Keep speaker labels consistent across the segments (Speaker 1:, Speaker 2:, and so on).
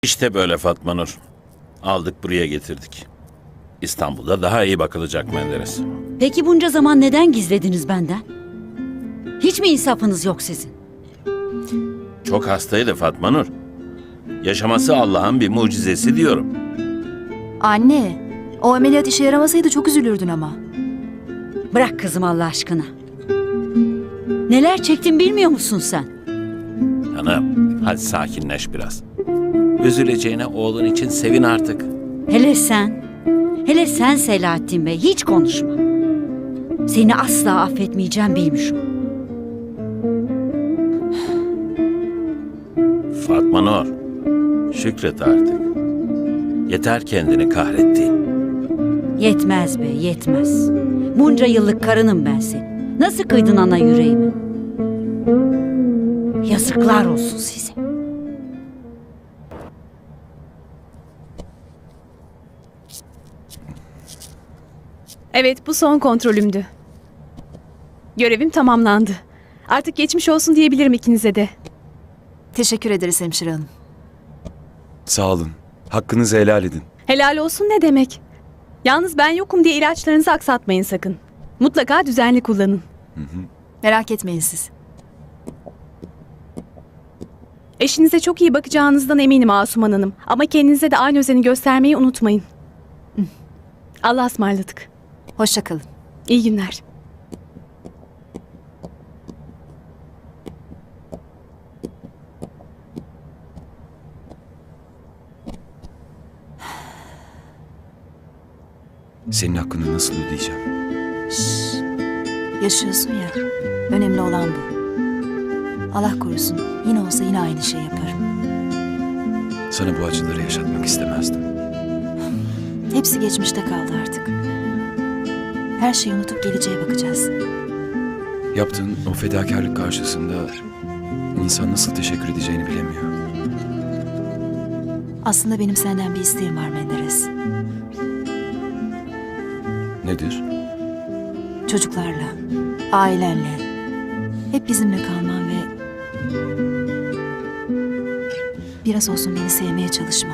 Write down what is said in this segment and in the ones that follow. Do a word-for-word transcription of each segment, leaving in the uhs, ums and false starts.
Speaker 1: İşte böyle Fatma Nur. Aldık buraya getirdik. İstanbul'da daha iyi bakılacak Menderes.
Speaker 2: Peki bunca zaman neden gizlediniz benden? Hiç mi insafınız yok sizin?
Speaker 1: Çok hastaydı Fatma Nur. Yaşaması Allah'ın bir mucizesi diyorum.
Speaker 3: Anne, o ameliyat işe yaramasaydı çok üzülürdün ama.
Speaker 2: Bırak kızım Allah aşkına. Neler çektim bilmiyor musun sen?
Speaker 1: Hanım, hadi sakinleş biraz. Üzüleceğine oğlun için sevin artık.
Speaker 2: Hele sen, hele sen Selahattin Bey hiç konuşma. Seni asla affetmeyeceğim bilmişim.
Speaker 1: Fatma Nur, şükret artık. Yeter kendini kahrettiğin.
Speaker 2: Yetmez be, yetmez. Bunca yıllık karınım ben senin. Nasıl kıydın ana yüreğimi? Yazıklar olsun size.
Speaker 4: Evet, bu son kontrolümdü. Görevim tamamlandı. Artık geçmiş olsun diyebilirim ikinize de.
Speaker 3: Teşekkür ederiz hemşire hanım.
Speaker 5: Sağ olun. Hakkınızı helal edin.
Speaker 4: Helal olsun ne demek? Yalnız ben yokum diye ilaçlarınızı aksatmayın sakın. Mutlaka düzenli kullanın.
Speaker 3: Merak etmeyin siz.
Speaker 4: Eşinize çok iyi bakacağınızdan eminim Asuman Hanım. Ama kendinize de aynı özeni göstermeyi unutmayın. Allah'a ısmarladık.
Speaker 3: Hoşça kalın.
Speaker 4: İyi günler.
Speaker 5: Senin hakkını nasıl ödeyeceğim?
Speaker 3: Şşş. Yaşıyorsun ya. Önemli olan bu. Allah korusun. Yine olsa yine aynı şey yaparım.
Speaker 5: Sana bu acıları yaşatmak istemezdim.
Speaker 3: Hepsi geçmişte kaldı artık. Her şeyi unutup geleceğe bakacağız.
Speaker 5: Yaptığın o fedakarlık karşısında insan nasıl teşekkür edeceğini bilemiyor.
Speaker 3: Aslında benim senden bir isteğim var Menderes.
Speaker 5: Nedir?
Speaker 3: Çocuklarla, ailenle, hep bizimle kalman ve biraz olsun beni sevmeye çalışman.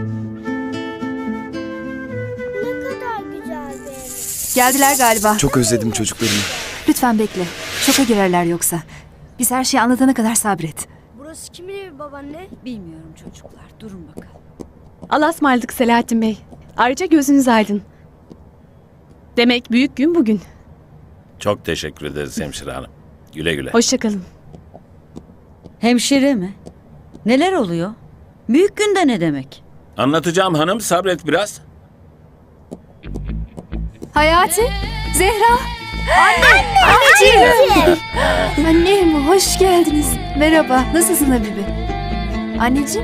Speaker 6: Ne kadar güzel bir ev.
Speaker 3: Geldiler galiba.
Speaker 5: Çok özledim çocuklarımı.
Speaker 3: Lütfen bekle. Şoka girerler yoksa. Biz her şeyi anlatana kadar sabret.
Speaker 6: Burası kimin evi babaanne?
Speaker 2: Bilmiyorum çocuklar, durun bakalım.
Speaker 4: Allah'a ısmarladık Selahattin Bey. Ayrıca gözünüz aydın. Demek büyük gün bugün.
Speaker 1: Çok teşekkür ederiz hemşire hanım. Güle güle.
Speaker 4: Hoşça kalın.
Speaker 2: Hemşire mi? Neler oluyor? Büyük günde ne demek?
Speaker 1: Anlatacağım hanım, sabret biraz.
Speaker 3: Hayati, Zehra. Anne, anneciğim. Annem, hoş geldiniz. Merhaba, nasılsın Habibi? Anneciğim.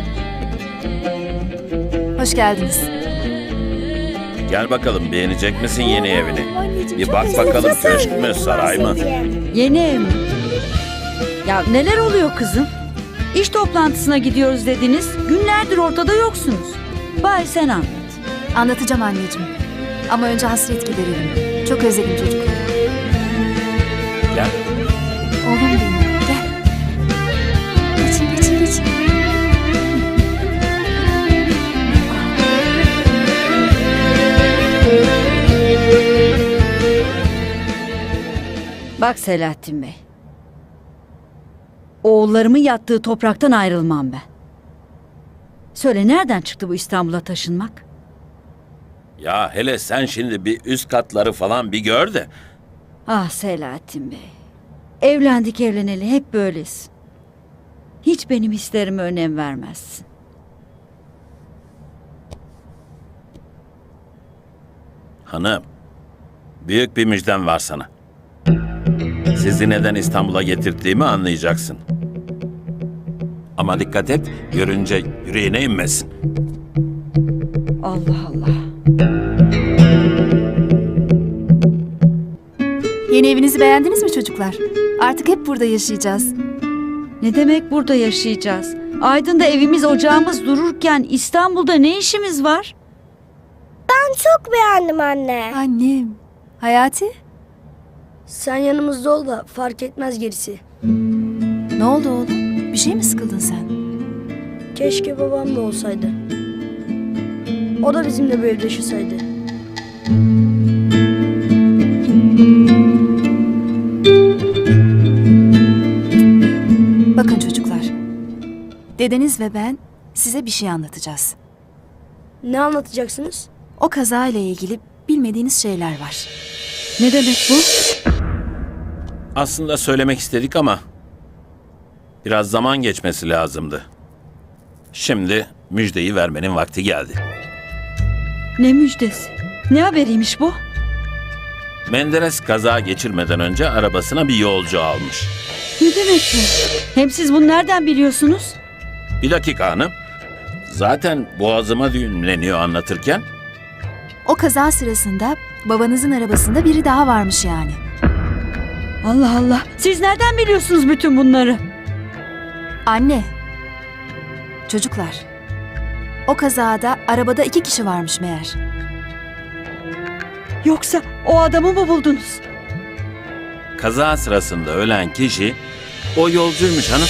Speaker 3: Hoş geldiniz.
Speaker 1: Gel bakalım, beğenecek misin yeni evini?
Speaker 3: Anneciğim,
Speaker 1: Bir
Speaker 3: çok
Speaker 1: bak
Speaker 3: güzel.
Speaker 1: bakalım köşk mü, saray mı?
Speaker 2: Yeni ev mi? Ya neler oluyor kızım? İş toplantısına gidiyoruz dediniz. Günlerdir ortada yoksunuz. Bari sen anlat.
Speaker 3: Anlatacağım anneciğim. Ama önce hasret giderelim. Çok özledim çocukları.
Speaker 1: Gel.
Speaker 3: Oğlum benim, gel. Geçin, geçin, geçin.
Speaker 2: Bak Selahattin Bey. Oğullarımın yattığı topraktan ayrılmam ben. Söyle nereden çıktı bu İstanbul'a taşınmak?
Speaker 1: Ya hele sen şimdi bir üst katları falan bir gör de.
Speaker 2: Ah Selahattin Bey. Evlendik evleneli hep böylesin. Hiç benim hislerime önem vermezsin.
Speaker 1: Hanım, büyük bir müjdem var sana. Sizi neden İstanbul'a getirdiğimi anlayacaksın. Ama dikkat et, görünce yüreğine inmesin.
Speaker 2: Allah Allah.
Speaker 3: Yeni evinizi beğendiniz mi çocuklar? Artık hep burada yaşayacağız.
Speaker 2: Ne demek burada yaşayacağız? Aydın'da evimiz ocağımız dururken İstanbul'da ne işimiz var?
Speaker 6: Ben çok beğendim anne.
Speaker 3: Annem. Hayati?
Speaker 7: Sen yanımızda ol da fark etmez gerisi.
Speaker 3: Ne oldu oğlum? Bir şey mi sıkıldın sen?
Speaker 7: Keşke babam da olsaydı. O da bizimle bu evde yaşasaydı.
Speaker 3: Bakın çocuklar. Dedeniz ve ben size bir şey anlatacağız.
Speaker 7: Ne anlatacaksınız?
Speaker 3: O kaza ile ilgili bilmediğiniz şeyler var.
Speaker 2: Ne demek bu?
Speaker 1: Aslında söylemek istedik ama biraz zaman geçmesi lazımdı. Şimdi müjdeyi vermenin vakti geldi.
Speaker 2: Ne müjdesi? Ne haberiymiş bu?
Speaker 1: Menderes kaza geçirmeden önce arabasına bir yolcu almış.
Speaker 2: Ne demek bu? Hem siz bunu nereden biliyorsunuz?
Speaker 1: Bir dakika hanım. Zaten boğazıma düğümleniyor anlatırken.
Speaker 3: O kaza sırasında babanızın arabasında biri daha varmış yani.
Speaker 2: Allah Allah. Siz nereden biliyorsunuz bütün bunları?
Speaker 3: Anne. Çocuklar. O kazada arabada iki kişi varmış meğer.
Speaker 2: Yoksa o adamı mı buldunuz?
Speaker 1: Kaza sırasında ölen kişi o yolcuymuş hanım.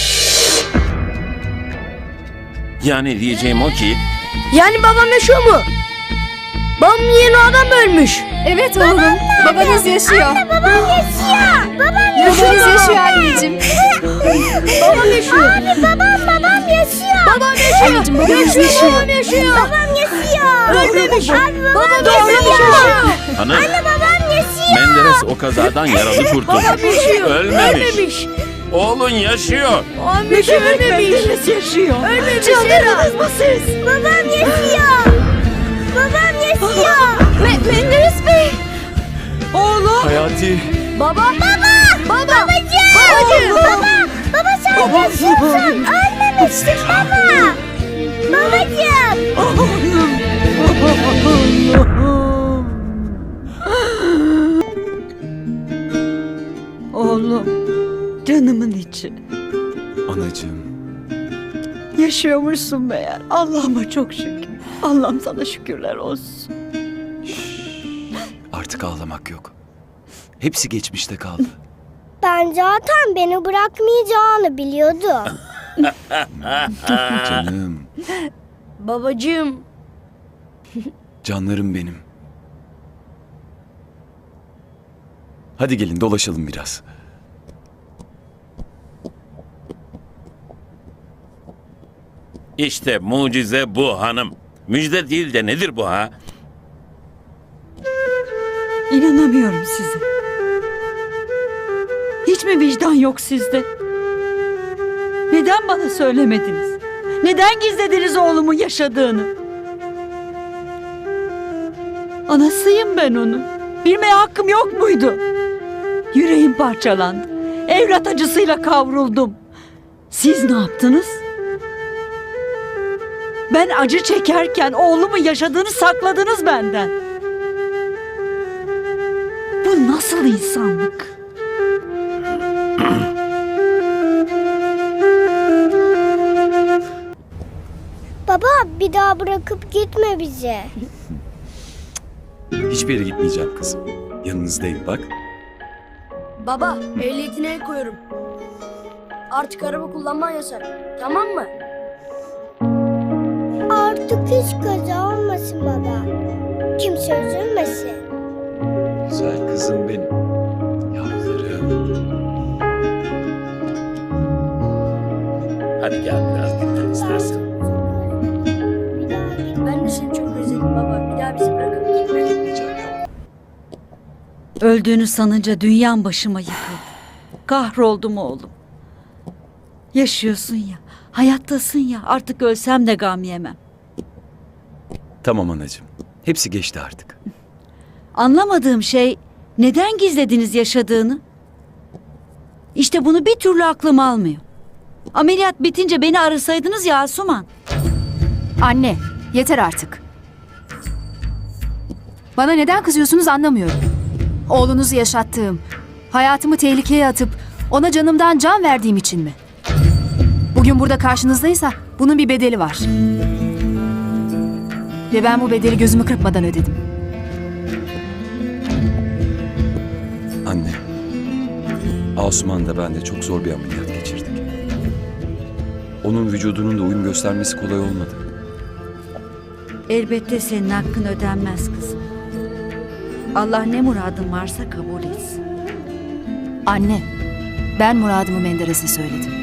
Speaker 1: Yani diyeceğim o ki
Speaker 7: Yani babam yaşıyor mu? Babamın yerine o adam mı ölmüş?
Speaker 3: Evet oğlum. Babanız yaşıyor.
Speaker 6: Anne babam yaşıyor. Babam
Speaker 3: Babanız yaşıyor anneciğim.
Speaker 7: Babam yaşıyor.
Speaker 6: Abi babam babam yaşıyor.
Speaker 7: Babam yaşıyor.
Speaker 3: Anneciğim babanız
Speaker 7: Yaşıyor.
Speaker 3: yaşıyor.
Speaker 7: Babam yaşıyor.
Speaker 6: Babam yaşıyor.
Speaker 7: Ölmemiş.
Speaker 6: Abi babam
Speaker 7: Doğru yaşıyor.
Speaker 1: hanım
Speaker 6: babam yaşıyor.
Speaker 1: Menderes o kazadan yaralı kurtulmuş.
Speaker 7: Babam yaşıyor.
Speaker 1: Ölmemiş.
Speaker 7: Ölmemiş.
Speaker 1: Oğlun yaşıyor.
Speaker 7: Babam yaşıyor. Ölmemiş.
Speaker 2: Menderes yaşıyor.
Speaker 7: Ölmemiş.
Speaker 2: Çıldırdınız mı siz?
Speaker 6: Babam yaşıyor. Babam yaşıyor.
Speaker 7: Me- Menderes Bey.
Speaker 2: Oğlum.
Speaker 5: Hayati.
Speaker 7: Baba. Baba. Baba.
Speaker 6: Babacığım.
Speaker 7: Babacığım.
Speaker 6: Baba. Baba sen yaşıyorsun. Ölmemişsin baba. Babacığım.
Speaker 2: Oğlum. Oğlum. Canımın içi.
Speaker 5: Anacığım.
Speaker 2: Yaşıyormuşsun meğer. Allah'ıma çok şükür. Allah'ım sana şükürler olsun.
Speaker 5: Artık ağlamak yok. Hepsi geçmişte kaldı.
Speaker 6: Ben zaten beni bırakmayacağını biliyordum.
Speaker 5: Canım.
Speaker 7: Babacığım.
Speaker 5: Canlarım benim. Hadi gelin dolaşalım biraz.
Speaker 1: İşte mucize bu hanım. Müjde değil de nedir bu ha?
Speaker 2: İnanamıyorum size. Hiç mi vicdan yok sizde? Neden bana söylemediniz? Neden gizlediniz oğlumun yaşadığını? Anasıyım ben onun. Bilmeye hakkım yok muydu? Yüreğim parçalandı. Evlat acısıyla kavruldum. Siz ne yaptınız? Ben acı çekerken oğlumun yaşadığını sakladınız benden. Bu nasıl insanlık?
Speaker 6: Baba bir daha bırakıp gitme bizi.
Speaker 5: Hiçbir yere gitmeyeceğim kızım. Yanınızdayım bak.
Speaker 7: Baba, ehliyetine el koyuyorum. Artık araba kullanman yasak. Tamam mı?
Speaker 6: Artık hiç kaza olmasın baba. Kimse üzülmesin.
Speaker 5: Güzel kızım benim. Yavrularım.
Speaker 1: Hadi gel biraz dinlen istersen.
Speaker 7: Bir daha git. Ben de seni çok özledim baba. Bir daha bizi bırakıp gitme.
Speaker 5: Gitmeyeceğim yavrum.
Speaker 2: Öldüğünü sanınca dünyam başıma yıkıldı. Kahroldum oğlum. Yaşıyorsun ya, hayattasın ya. Artık ölsem de gam yemem.
Speaker 5: Tamam anacığım. Hepsi geçti artık.
Speaker 2: Anlamadığım şey neden gizlediniz yaşadığını? İşte bunu bir türlü aklım almıyor. Ameliyat bitince beni arasaydınız ya Asuman.
Speaker 3: Anne, yeter artık. Bana neden kızıyorsunuz anlamıyorum. Oğlunuzu yaşattığım, hayatımı tehlikeye atıp ona canımdan can verdiğim için mi? Bugün burada karşınızdaysa bunun bir bedeli var. Ve ben bu bedeli gözümü kırpmadan ödedim.
Speaker 5: Anne. Asuman da ben de çok zor bir ameliyat geçirdik. onun vücudunun da uyum göstermesi kolay olmadı.
Speaker 2: Elbette senin hakkın ödenmez kızım. Allah ne muradın varsa kabul etsin.
Speaker 3: Anne, ben muradımı Menderes'e söyledim.